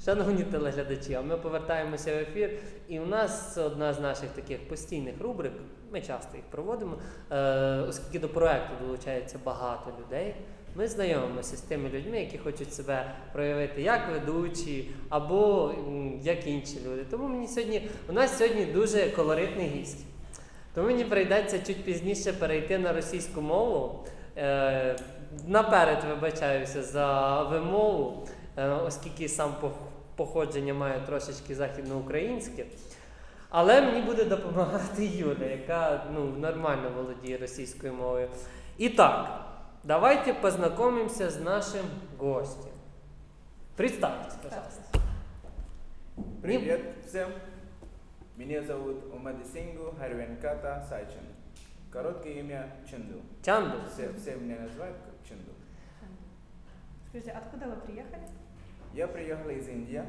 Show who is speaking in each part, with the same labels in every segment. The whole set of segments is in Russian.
Speaker 1: Шановні телеглядачі, а ми повертаємося в ефір, і у нас це одна з наших таких постійних рубрик, ми часто їх проводимо, оскільки до проекту долучається багато людей. Ми знайомимося з тими людьми, які хочуть себе проявити як ведучі, або як інші люди. Тому у нас сьогодні дуже колоритний гість. Тому мені прийдеться чуть пізніше перейти на російську мову. Наперед вибачаюся за вимову, оскільки сам походження маю трошечки західноукраїнське. Але мені буде допомагати Юля, яка нормально володіє російською мовою. І так, давайте познайомимося з нашим гостем. Представьтесь, пожалуйста.
Speaker 2: Привет всем! Меня зовут Умадисингу Харвенката Сайчин. Короткое имя Ченду.
Speaker 1: Чанду.
Speaker 2: Все меня называют как Ченду.
Speaker 3: Скажите, откуда вы приехали?
Speaker 2: Я приехал из Индии.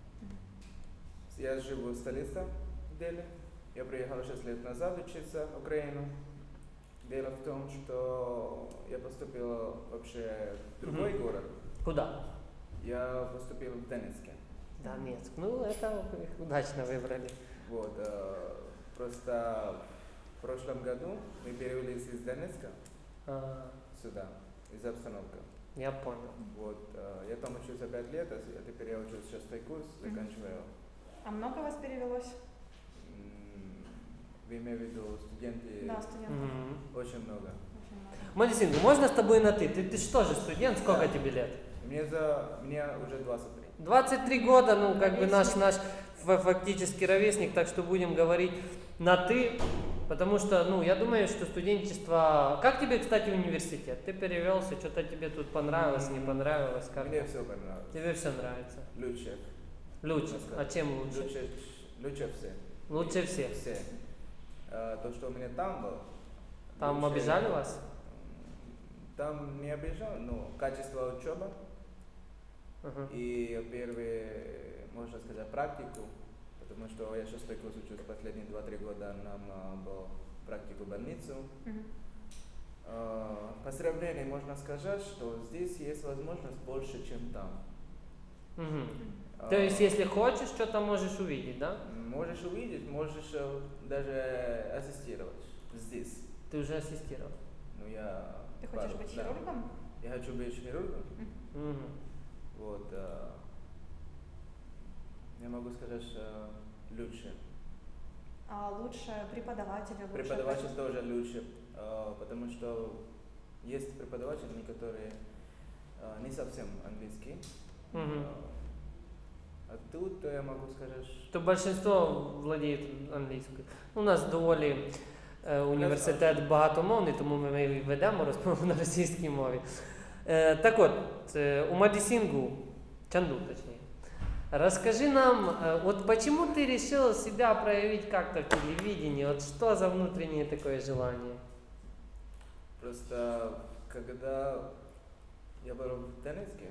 Speaker 2: Я живу в столице Дели. Я приехал 6 лет назад учиться в Украину. Дело в том, что я поступил вообще в другой город.
Speaker 1: Куда?
Speaker 2: Я поступил в Донецке.
Speaker 1: Донецк. Это удачно выбрали.
Speaker 2: Вот, просто в прошлом году мы перевелись из Донецка сюда, из-за обстановки.
Speaker 1: Я понял.
Speaker 2: Вот, я там учился 5 лет, а теперь я учусь 6-й курс, заканчиваю.
Speaker 3: А много вас перевелось?
Speaker 2: Вы имеете в виду студенты?
Speaker 3: Да, студентов.
Speaker 2: Очень много.
Speaker 3: Очень много.
Speaker 1: Малисинга, можно с тобой на ты? Ты что же студент? Сколько тебе лет?
Speaker 2: Мне уже 23.
Speaker 1: 23 года, наш фактически ровесник, так что будем говорить на ты, потому что, я думаю, что студенчество... Как тебе, кстати, университет? Ты перевелся, что-то тебе тут понравилось, не понравилось? Как?
Speaker 2: Мне все понравилось.
Speaker 1: Тебе все нравится?
Speaker 2: Лучше.
Speaker 1: Лучше? А чем лучше?
Speaker 2: Лучше все.
Speaker 1: Лучше всех?
Speaker 2: Все. То, что у меня там было.
Speaker 1: Там
Speaker 2: лучше...
Speaker 1: обижали вас?
Speaker 2: Там не обижал, но качество учебы. И первые, можно сказать, практику, потому что я 6-й курс учусь, последние 2-3 года нам был практику в больницу. По сравнению можно сказать, что здесь есть возможность больше, чем там.
Speaker 1: То есть, если хочешь, что-то можешь увидеть, да?
Speaker 2: Можешь увидеть, можешь даже ассистировать здесь.
Speaker 1: Ты уже ассистировал?
Speaker 3: Ты хочешь быть хирургом?
Speaker 2: Я хочу быть хирургом. Вот, я могу сказать, лучше.
Speaker 3: А лучше преподаватели? Лучше
Speaker 2: Преподаватель тоже лучше, потому что есть преподаватели, которые не совсем английские. А тут я могу сказать,
Speaker 1: что большинство владіє англійською. У нас доволі університет багатомовний, тому ми ведемо розмову на російській мові. Так вот, Умадисингу, Чанду точнее, расскажи нам, вот почему ты решил себя проявить как-то в телевидении, вот что за внутреннее такое желание?
Speaker 2: Просто когда я был в Донецке,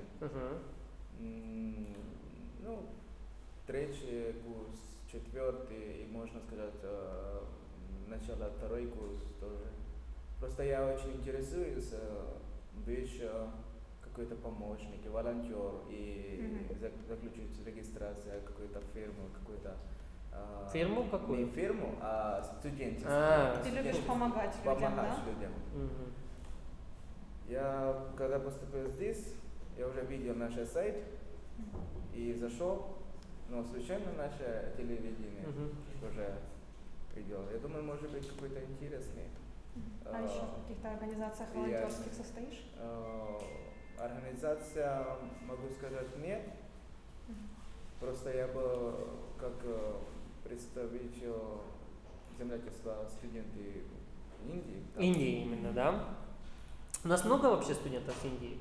Speaker 2: 3-й курс, 4-й, и можно сказать, начало 2-й курс тоже. Просто я очень интересуюсь, быть какой-то помощник, волонтер и заключить регистрацию какой-то фирмы, какой-то...
Speaker 1: Фирму какую?
Speaker 2: Не фирму, а студенчество.
Speaker 3: Ты любишь помогать людям,
Speaker 2: Помогать
Speaker 3: да?
Speaker 2: людям. Я когда поступил здесь, я уже видел наш сайт и зашел, но случайно наше телевидение уже видел. Я думаю, может быть какой-то интересный.
Speaker 3: А еще в каких-то организациях волонтерских состоишь?
Speaker 2: Организация, могу сказать, нет. Просто я был как представитель землячества студенты Индии.
Speaker 1: Индии именно, да? У нас много вообще студентов с Индии?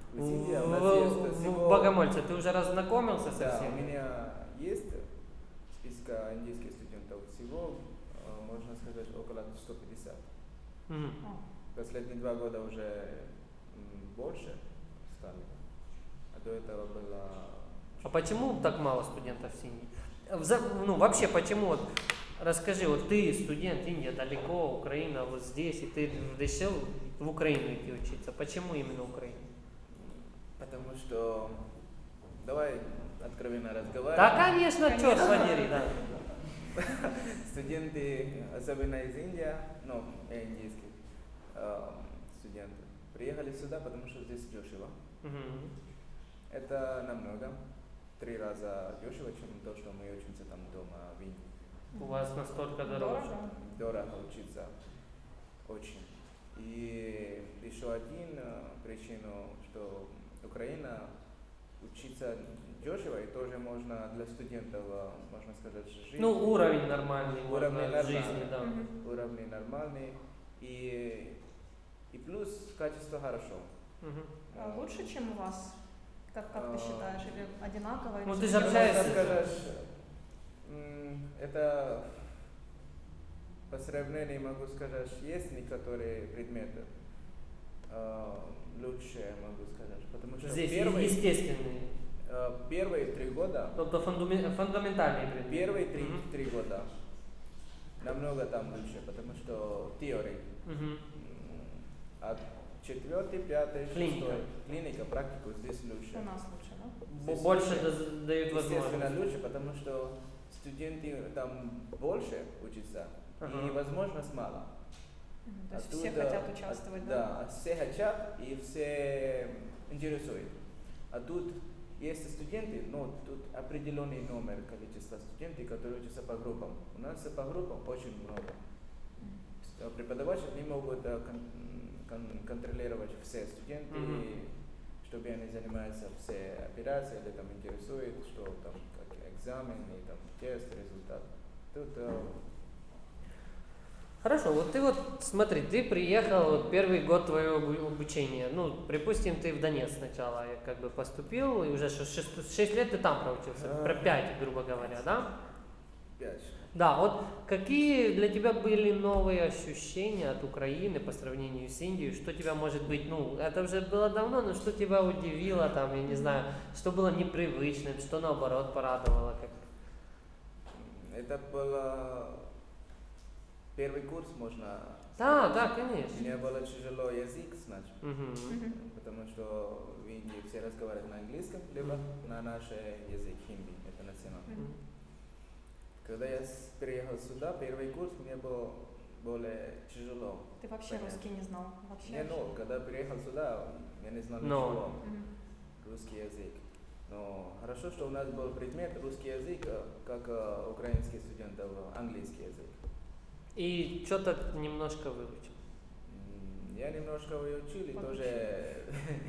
Speaker 1: В Богомольце ты уже разнакомился со
Speaker 2: Да,
Speaker 1: всеми?
Speaker 2: у меня есть списка индийских студентов всего, можно сказать, около 150. Последние 2 года уже больше стали. А до этого было...
Speaker 1: А почему так мало студентов с Индии? Вообще, почему, вот, расскажи, вот ты студент, Индия далеко, Украина вот здесь, и ты решил в Украину идти учиться. Почему именно Украина?
Speaker 2: Потому что давай откровенно разговаривать.
Speaker 1: Да, конечно, черт подери, да.
Speaker 2: Студенты, особенно из Индии, ну, я индийский студент, приехали сюда, потому что здесь дешево.
Speaker 1: Мгм.
Speaker 2: Это намного, 3 раза дешево, чем то, что мы учимся там дома в Индии.
Speaker 1: У вас настолько дороже.
Speaker 2: Дорого учиться, очень. И еще один причину, что Украина учиться дешево и тоже можно для студентов, можно сказать, жизнь.
Speaker 1: Ну, уровень нормальный,
Speaker 2: Уровень
Speaker 1: можно
Speaker 2: нормальный.
Speaker 1: жизни, да.
Speaker 3: Мгм.
Speaker 2: Уровни нормальный и плюс качество хорошо.
Speaker 1: Мгм.
Speaker 3: А лучше, чем у вас? Как ты считаешь? Или одинаково? или
Speaker 1: Ну, ты
Speaker 3: всё-таки
Speaker 1: же общаешься.
Speaker 2: Можно сказать, это по сравнению могу сказать, есть некоторые предметы лучше, могу сказать, потому что
Speaker 1: Здесь
Speaker 2: первые
Speaker 1: естественные.
Speaker 2: 3 года,
Speaker 1: Тобто фундаментальные предметы.
Speaker 2: первые
Speaker 1: Мгм.
Speaker 2: 3 года намного там лучше, потому что теория.
Speaker 1: Мгм.
Speaker 2: А 4, 5, 6
Speaker 1: Клиника.
Speaker 2: клиника, практику здесь лучше.
Speaker 3: У нас лучше, да?
Speaker 2: Здесь
Speaker 1: Больше
Speaker 2: лучше.
Speaker 1: дают
Speaker 2: Естественно,
Speaker 1: возможность.
Speaker 2: лучше, потому что студенты там больше учатся,
Speaker 1: Ага.
Speaker 2: и возможность мало.
Speaker 3: То есть все хотят участвовать, да?
Speaker 2: Да, все хотят и все интересуют. А тут есть студенты, но тут определенный номер количества студентов, которые учатся по группам. У нас по группам очень много. Преподаватели не могут контролировать все студенты,
Speaker 1: Мгм.
Speaker 2: чтобы они занимаются все операции или там интересуют, что там как экзамен и там тест, результат. Тут
Speaker 1: Хорошо, вот ты вот, смотри, ты приехал, вот первый год твоего обучения, ну, припустим, ты в Донецк сначала как бы поступил, и уже 6 лет ты там проучился, про 5, грубо говоря, да?
Speaker 2: 5.
Speaker 1: Да, вот какие для тебя были новые ощущения от Украины по сравнению с Индией? Что тебя, может быть, ну, это уже было давно, но что тебя удивило, там, я не знаю, что было непривычным, что наоборот порадовало? Как...
Speaker 2: Это было первый курс, можно
Speaker 1: Да, да, конечно.
Speaker 2: Мне было тяжело язык знать,
Speaker 1: Мгм.
Speaker 3: Мгм.
Speaker 2: потому что в Индии все разговаривают на английском, либо на наш язык хинди, это национальный.
Speaker 3: Мгм.
Speaker 2: Когда я приехал сюда, первый курс мне было более тяжело.
Speaker 3: Ты вообще
Speaker 2: Понятно.
Speaker 3: русский не знал? Вообще?
Speaker 2: Не, ну, когда приехал сюда, я не знал
Speaker 1: Но.
Speaker 2: ничего,
Speaker 3: Мгм.
Speaker 2: русский язык. Но хорошо, что у нас был предмет русский язык, как украинских студентов английский язык.
Speaker 1: И что-то немножко выучил.
Speaker 2: Я немножко выучил, и
Speaker 3: Подучил.
Speaker 2: тоже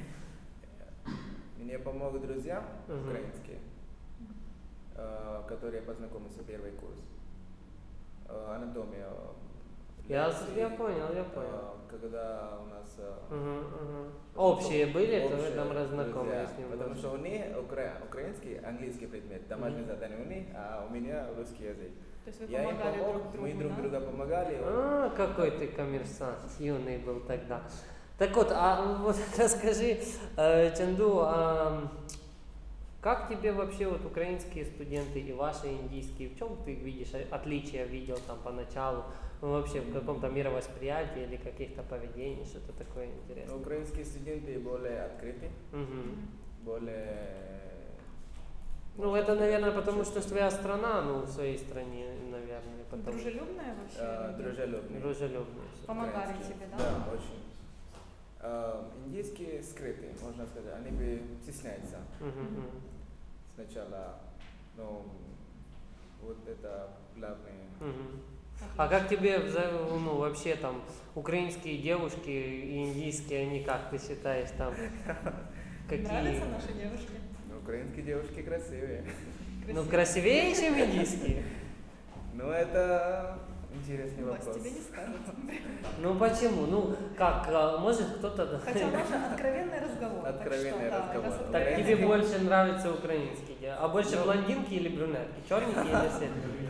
Speaker 2: мне помог друзья
Speaker 1: Мгм.
Speaker 2: украинские, которые познакомился первый курс. Анатомия.
Speaker 1: Я
Speaker 2: лекции,
Speaker 1: понял, я понял.
Speaker 2: Когда у нас
Speaker 1: Мгм, мгм. Общие были, то вы
Speaker 2: общие
Speaker 1: там
Speaker 2: друзья,
Speaker 1: разнакомились немного.
Speaker 2: потому что у них украинский, английский предмет, домашнее задание у них, а у меня русский язык.
Speaker 3: То есть вы
Speaker 2: Я им
Speaker 3: помогали
Speaker 2: помог,
Speaker 3: друг другу,
Speaker 2: мы друг
Speaker 3: да?
Speaker 2: друга помогали.
Speaker 1: А, какой ты коммерсант, юный был тогда. Так вот, а вот расскажи, Чанду, как тебе вообще вот украинские студенты и ваши индийские, в чем ты видишь отличия, видел там поначалу, ну, вообще в каком-то мировосприятии или каких-то поведений, что-то такое интересное?
Speaker 2: Украинские студенты более открыты,
Speaker 1: Мгм.
Speaker 2: более...
Speaker 1: Ну, это, наверное, потому что твоя страна, ну, в своей стране, наверное, потому
Speaker 3: Дружелюбная вообще? люди?
Speaker 2: дружелюбные.
Speaker 1: дружелюбные.
Speaker 3: Помогали
Speaker 2: Украинские.
Speaker 3: тебе, да?
Speaker 2: Да, очень. Индийские скрытые, можно сказать, они бы стесняются
Speaker 1: Мгм, мгм.
Speaker 2: сначала, но вот это главное.
Speaker 1: Мгм. А как тебе ну, вообще там украинские девушки и индийские, они как ты считаешь там? Какие?
Speaker 3: Нравятся наши девушки?
Speaker 2: Но украинские девушки красивые.
Speaker 1: Ну, красивее, чем индийские?
Speaker 2: Ну, это интересный
Speaker 3: Власть
Speaker 2: вопрос.
Speaker 3: тебе не скажет.
Speaker 1: Ну, почему? Ну, как, может кто-то...
Speaker 3: Хотя наш откровенный разговор. так
Speaker 2: Откровенный
Speaker 3: что, да,
Speaker 2: разговор.
Speaker 3: раз
Speaker 1: Так
Speaker 3: откровенный
Speaker 1: тебе
Speaker 3: разговор.
Speaker 1: больше нравятся украинские, а больше
Speaker 2: Ну.
Speaker 1: блондинки или брюнетки? Черненькие или светленькие?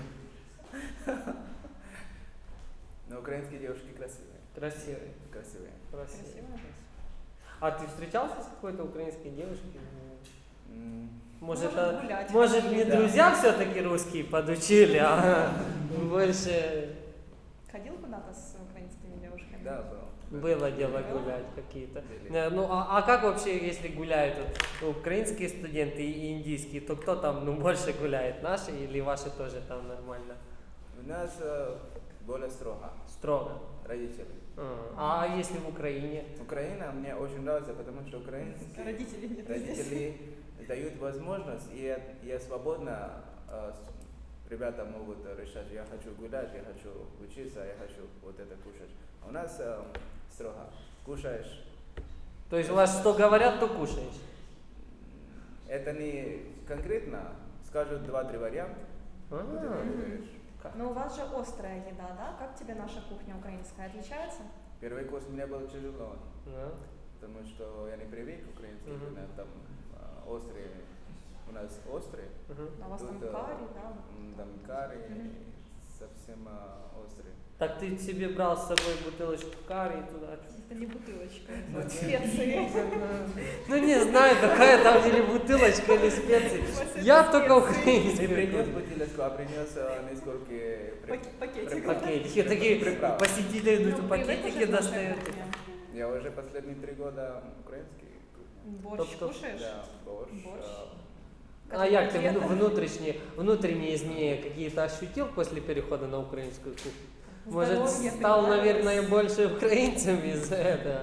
Speaker 2: Но украинские девушки красивые.
Speaker 1: Красивые.
Speaker 2: Красивые.
Speaker 1: Красивые.
Speaker 3: Красиво.
Speaker 1: А ты встречался с какой-то украинской девушкой?
Speaker 2: М,
Speaker 1: Может,
Speaker 3: Может, гулять
Speaker 1: может
Speaker 3: ходили.
Speaker 1: не
Speaker 2: Да.
Speaker 1: друзья все-таки русские подучили, а больше...
Speaker 3: Ходил куда-то с украинскими девушками?
Speaker 2: Да, был.
Speaker 1: Было дело
Speaker 3: Было?
Speaker 1: гулять какие-то.
Speaker 2: Были.
Speaker 1: Ну, а как вообще, если гуляют вот, украинские студенты и индийские, то кто там больше гуляет, наши или ваши тоже там нормально?
Speaker 2: У нас более строго,
Speaker 1: Строго.
Speaker 2: родители.
Speaker 1: А если в Украине?
Speaker 2: Украина мне очень нравится, потому что украинские
Speaker 3: Родители нет здесь.
Speaker 2: родители дают возможность, и я свободно, ребята могут решать, я хочу гулять, я хочу учиться, я хочу вот это кушать. А у нас строго, кушаешь.
Speaker 1: То есть у вас что говорят, то кушаешь?
Speaker 2: Это не конкретно, скажут 2-3 варианта, вот это
Speaker 1: А,
Speaker 2: выберешь.
Speaker 3: Но у вас же острая еда, да? Как тебе наша кухня украинская? Отличается?
Speaker 2: Первый курс мне было тяжело,
Speaker 1: да.
Speaker 2: потому что я не привык к украинской
Speaker 1: Мгм.
Speaker 2: кухне, там острые, у нас острые,
Speaker 1: Мгм.
Speaker 3: А у вас там
Speaker 2: тут,
Speaker 3: карри, да?
Speaker 2: там карри
Speaker 3: Мгм.
Speaker 2: совсем острые.
Speaker 1: Так ты себе брал с собой бутылочку карри и туда?
Speaker 3: Это не бутылочка, это специи.
Speaker 1: Ну не знаю, какая там или бутылочка, или специи. Я только
Speaker 2: Не
Speaker 1: украинский.
Speaker 2: принес бутылочку, а принес несколько
Speaker 3: Пакетик.
Speaker 1: Пакетики, такие
Speaker 2: Приправ.
Speaker 1: посетители идут,
Speaker 3: Ну,
Speaker 1: пакетики
Speaker 3: привыкла же наша
Speaker 1: достают.
Speaker 3: кухня.
Speaker 2: Я уже последние 3 года украинский.
Speaker 3: Борщ
Speaker 1: Тобто-
Speaker 3: кушаешь?
Speaker 2: Да, борщ.
Speaker 3: Борщ.
Speaker 1: А як ты
Speaker 3: Котлеты?
Speaker 1: внутренние изменения какие-то ощутил после перехода на украинскую кухню? Может,
Speaker 3: Здоровье
Speaker 1: стал,
Speaker 3: прибавилось?
Speaker 1: наверное, больше украинцем из-за этого?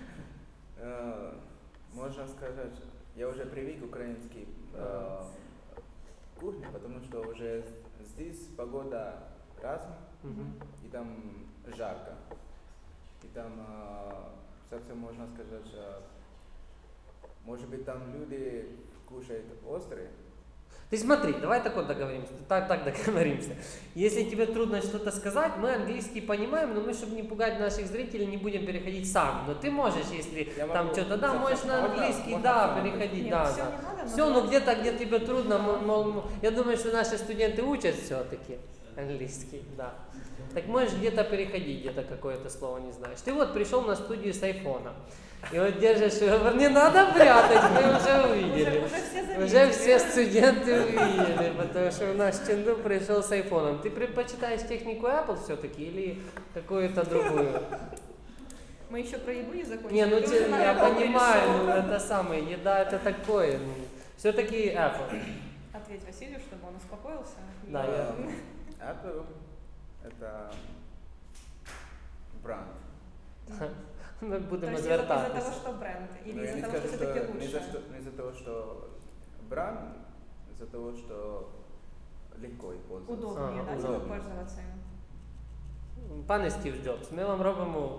Speaker 2: Можно сказать, я уже привык к украинской кухне, потому что уже здесь погода разная,
Speaker 1: Мгм.
Speaker 2: и там жарко. И там совсем можно сказать, может быть там люди кушают острые.
Speaker 1: Ты смотри, давай так вот договоримся, так договоримся. Если тебе трудно что-то сказать, мы английский понимаем, но мы, чтобы не пугать наших зрителей, не будем переходить сам. Но ты можешь, если
Speaker 2: Я
Speaker 1: там
Speaker 2: могу
Speaker 1: что-то, да, можешь на
Speaker 2: можно-
Speaker 1: английский,
Speaker 2: можно
Speaker 1: да,
Speaker 2: сам.
Speaker 1: переходить,
Speaker 3: Нет,
Speaker 1: да,
Speaker 3: всё
Speaker 1: да.
Speaker 3: не надо, но
Speaker 1: Все, ну
Speaker 3: давай.
Speaker 1: где-то, где тебе трудно, я думаю, что наши студенты учат все-таки английский, да. Так можешь где-то переходить, где-то какое-то слово не знаешь. Ты вот пришел на студию с айфона, и вот держишь, не надо прятать, мы уже увидели.
Speaker 3: Уже все заметили.
Speaker 1: Уже все студенты увидели, потому что у нас Ченду пришел с айфоном. Ты предпочитаешь технику Apple все-таки или какую-то другую?
Speaker 3: Мы еще про еду не закончили.
Speaker 1: Не, ну
Speaker 3: Ты уже на
Speaker 1: я
Speaker 3: Apple
Speaker 1: понимаю,
Speaker 3: перешел.
Speaker 1: ну это самое, еда это такое. Все-таки Apple.
Speaker 3: Ответь Василию, чтобы он успокоился.
Speaker 1: Да, я-
Speaker 2: Apple это бренд.
Speaker 1: Ми
Speaker 3: То
Speaker 1: будемо
Speaker 3: есть из-за того,
Speaker 1: звертатися.
Speaker 3: что бренд, или
Speaker 2: Но я
Speaker 3: из-за
Speaker 2: не
Speaker 3: того,
Speaker 2: скажу,
Speaker 3: что
Speaker 2: что
Speaker 3: все-таки
Speaker 2: не
Speaker 3: лучше?
Speaker 2: не из-за того, что бренд, из-за того, что легко и пользоваться.
Speaker 3: Удобнее,
Speaker 1: Ага,
Speaker 3: да, типа,
Speaker 2: удобнее.
Speaker 3: пользоваться им.
Speaker 1: Пане Стів Джобс, ми вам робимо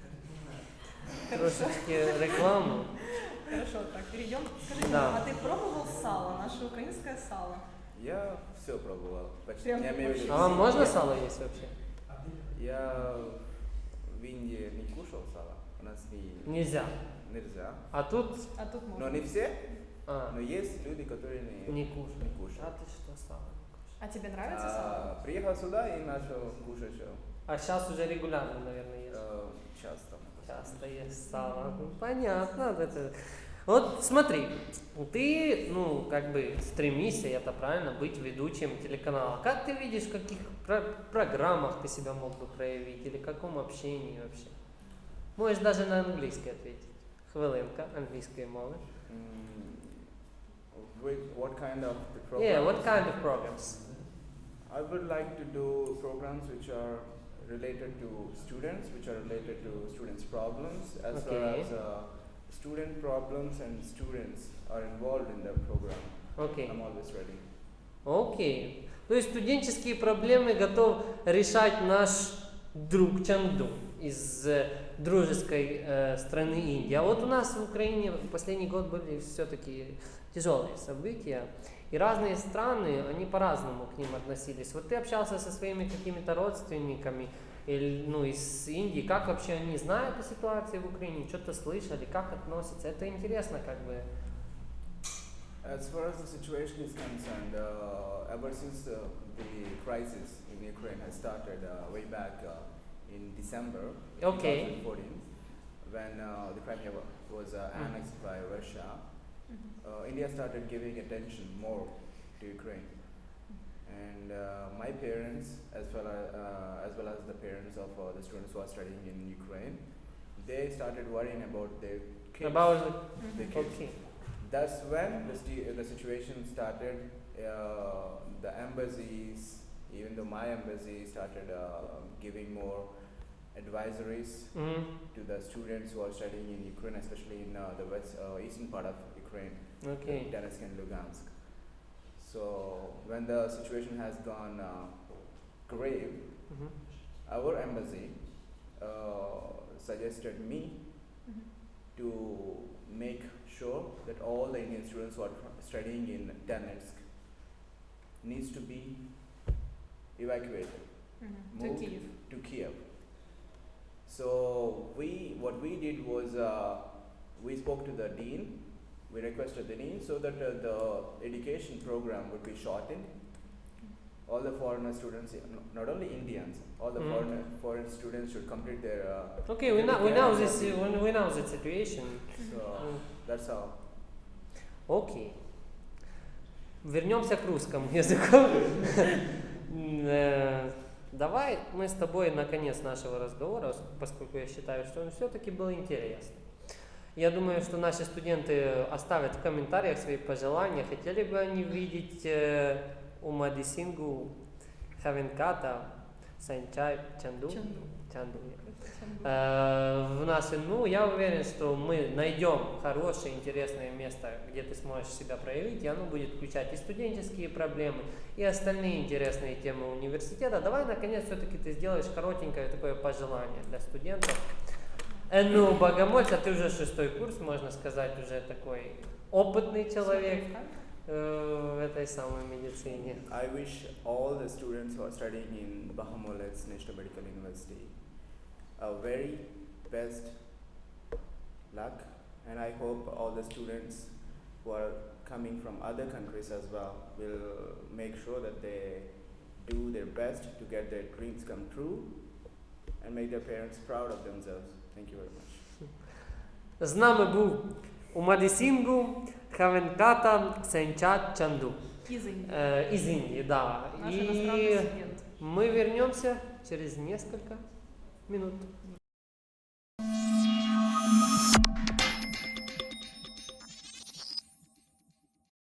Speaker 1: трошечки рекламу.
Speaker 3: Хорошо, так, перейдем. Скажи,
Speaker 1: Да.
Speaker 3: а ты пробовал сало, наше украинское сало?
Speaker 2: Я все пробовал. Почти.
Speaker 3: Прям
Speaker 2: Я имею в виду,
Speaker 1: А вам можно
Speaker 2: я-
Speaker 1: сало есть вообще?
Speaker 2: Я в Индии не кушал сало. У нас
Speaker 1: Нельзя.
Speaker 2: нельзя.
Speaker 1: А тут
Speaker 3: А тут
Speaker 2: Но
Speaker 3: можно.
Speaker 2: не все,
Speaker 1: а,
Speaker 2: но есть люди, которые
Speaker 1: не кушают.
Speaker 2: не
Speaker 1: А
Speaker 2: кушают.
Speaker 1: ты что, сало?
Speaker 3: А тебе нравится сало?
Speaker 2: Приехал сюда и начал кушать
Speaker 1: А сейчас уже регулярно, наверное, ешь.
Speaker 2: часто.
Speaker 1: Часто есть сало. Ну, понятно. Это... Вот смотри, ты, ну, как бы стремишься, это правильно, быть ведущим телеканала. Как ты видишь, в каких программах ты себя мог бы проявить или в каком общении вообще? Можешь даже на английский ответить. Хвилинка англійської мови.
Speaker 2: What kind of the program?
Speaker 1: Yeah, what kind of programs?
Speaker 2: I would like to do programs which are related to students, which are related to students' problems, as
Speaker 1: Okay.
Speaker 2: well as student problems and students are involved in the program.
Speaker 1: Окей.
Speaker 2: I'm always ready.
Speaker 1: Окей. То есть студенческие проблемы готов решать наш друг Чанду из дружеской страны Индии. А вот у нас в Украине в последний год были все-таки тяжелые события. И разные страны, они по-разному к ним относились. Вот ты общался со своими какими-то родственниками или, ну, из Индии. Как вообще они знают о ситуации в Украине? Что-то слышали? Как относятся? Это интересно как бы.
Speaker 2: As far as the situation is concerned, ever since the crisis in Ukraine has started way back in December
Speaker 1: Okay.
Speaker 2: 2014, when the Crimea was annexed by Russia, India started giving attention more to Ukraine. And my parents, as well as the parents of the students who are studying in Ukraine, they started worrying about their kids.
Speaker 1: About
Speaker 2: the
Speaker 3: Мгм.
Speaker 2: kids.
Speaker 1: okay.
Speaker 2: That's when the situation started. The embassies, even though my embassy started giving more advisories
Speaker 1: Mhm.
Speaker 2: to the students who are studying in Ukraine, especially in the eastern part of Ukraine,
Speaker 1: Okay.
Speaker 2: Donetsk and Lugansk. So when the situation has gone grave,
Speaker 1: Mhm.
Speaker 2: our embassy suggested me
Speaker 3: Mhm.
Speaker 2: to make sure that all the Indian students who are studying in Donetsk needs to be evacuated
Speaker 3: Мгм. To
Speaker 2: Moved.
Speaker 3: Kyiv.
Speaker 2: to Kiev. So what we did was we spoke to the dean. We requested the dean so that the education program would be shortened. All the foreigner students, not only Indians, all the foreign students should complete their.
Speaker 1: Okay, we know this. We know the situation.
Speaker 2: So that's how.
Speaker 1: Окей. Вернемся к русскому языку. Давай мы с тобой на конец нашего разговора, поскольку я считаю, что он все-таки был интересный. Я думаю, что наши студенты оставят в комментариях свои пожелания. Хотели бы они видеть у Мадисингу Хавенката, Санчай, Чанду?
Speaker 3: Чанду.
Speaker 1: Чанду.
Speaker 3: Чанду.
Speaker 1: В нашей, я уверен, что мы найдем хорошее, интересное место, где ты сможешь себя проявить, и оно будет включать и студенческие проблемы, и остальные интересные темы университета. Давай, наконец, все-таки ты сделаешь коротенькое такое пожелание для студентов. Ну, Богомольца, ты уже 6-й курс, можно сказать, уже такой опытный человек в этой самой медицине.
Speaker 2: I wish all the students who are studying in Bahomolets National Medical University a very best luck, and I hope all the students who are coming from other countries as well will make sure that they do their best to get their dreams come true and make their parents proud of themselves. Thank you very much.
Speaker 1: З нами був у Мадисінгу Хавенката Сенчат Чанду.
Speaker 3: Из Индии.
Speaker 1: Из Индии, да.
Speaker 3: Наш
Speaker 1: И
Speaker 3: иностранный студент.
Speaker 1: мы вернемся через несколько минут.